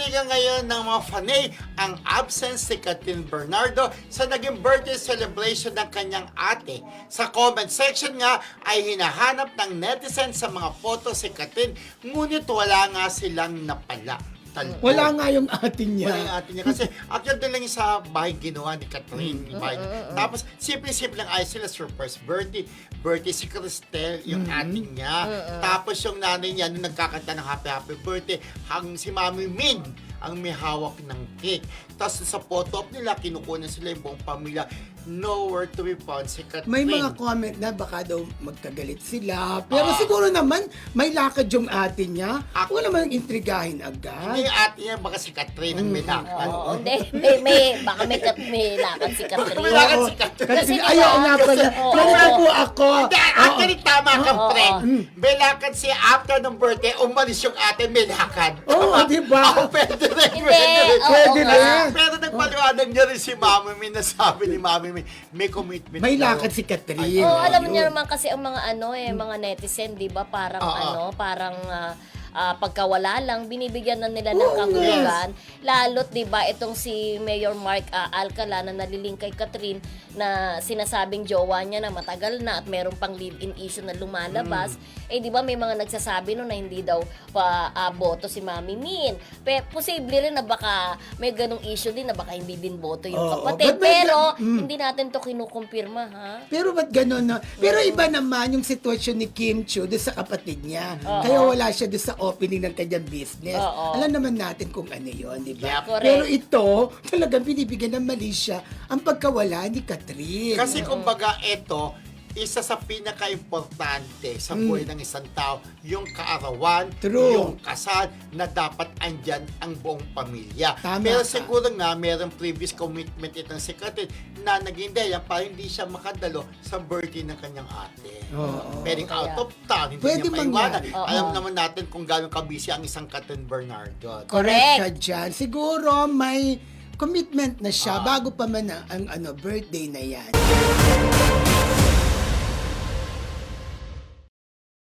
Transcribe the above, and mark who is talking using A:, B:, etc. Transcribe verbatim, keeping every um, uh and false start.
A: Hinalikan ngayon ng mga fanay ang absence si Catherine Bernardo sa naging birthday celebration ng kanyang ate. Sa comment section nga ay hinahanap ng netizen sa mga photo si Catherine, ngunit wala nga silang napala. Talbo.
B: Wala nga yung atin niya.
A: Wala yung atin niya. Kasi actually doon lang yung sa bahay ginawa ni Catherine. Mm, bahay. Mm, mm, Tapos simple-simple lang ayos sila surprise birthday. Birthday si Cristel, yung mm, atin niya. Mm, mm. Tapos yung nanay niya nung nagkakanta ng happy happy birthday, hang si Mami Min ang may hawak ng cake. Tapos sa photo op nila, kinukunan sila yung buong pamilya. Nowhere to be found si Catherine.
B: May mga comment na baka daw magkagalit sila. Pero ah. siguro naman, may lakad yung atin niya. Ako naman intrigahin agad.
A: Hindi yung atin niya, baka si Catherine ang may lakad.
C: Oo, hindi. May, may, baka may, kat, may lakad si Catherine.
A: May lakad si Catherine.
B: Kasi ayaw nga pala. Ganito po ako.
A: Hindi, actually tama ka,
C: Oo,
A: friend.
C: oo.
A: May lakad siya after ng birthday, umalis yung ate, may lakad.
B: Oo, di ba?
A: Oo, pwede rin,
C: Hindi,
A: pwede rin.
C: oo
B: Pwede
C: nga.
B: rin.
A: Pero nagpaliwanag niya rin si Mami Min na sabi ni Mami Min, may commitment.
B: May
A: daw.
B: lakad si Catherine.
C: Oo, alam
B: Ayun.
C: niyo naman kasi ang mga ano eh, mga netizen, 'di ba? Parang
A: Oo.
C: ano, parang ah, ah, pagkawala lang binibigyan na nila ng
B: Oo,
C: kahulugan. Lalo't 'di ba itong si Mayor Mark ah, Alcala na naliling kay Catherine na sinasabing jowa niya na matagal na at meron pang live-in issue na lumalabas. Eh 'di ba may mga nagsasabi no na hindi daw pa ah, boto si Mami Min. Pe, posible rin na baka may ganong issue din na baka hindi din boto yung
B: Oo,
C: kapatid.
B: but may-
C: Pero
B: Mm.
C: hindi natin to kinukumpirma ha.
B: Pero ba't gano'n na? Pero iba naman yung sitwasyon ni Kim Chiu doon sa kapatid niya.
C: Oo.
B: Kaya wala siya doon sa opening ng kanyang business.
C: Oo.
B: Alam naman natin kung ano yun, di ba?
A: Yep.
C: Correct.
B: Pero ito, talagang binibigyan ng mali siya ang pagkawala ni Catherine.
A: Kasi kumbaga ito, isa sa pinaka-importante sa buhay ng isang tao, yung kaarawan,
B: True.
A: yung kasal, na dapat andyan ang buong pamilya.
B: Tama
A: Pero
B: ka.
A: siguro nga, mayroong previous commitment itong si Catherine na naging dahilan para hindi siya makadalo sa birthday ng kanyang ate.
B: Oo.
A: Pwedeng out
C: Kaya-
A: of town, hindi
B: Pwede
A: niya maiwanan.
B: mangyari.
C: Oo.
A: Alam naman natin kung gano'ng kabisi ang isang Catherine Bernardo.
B: Correct ka dyan. Siguro may commitment na siya
A: Ah.
B: bago pa man ang, ang ano, birthday na yan.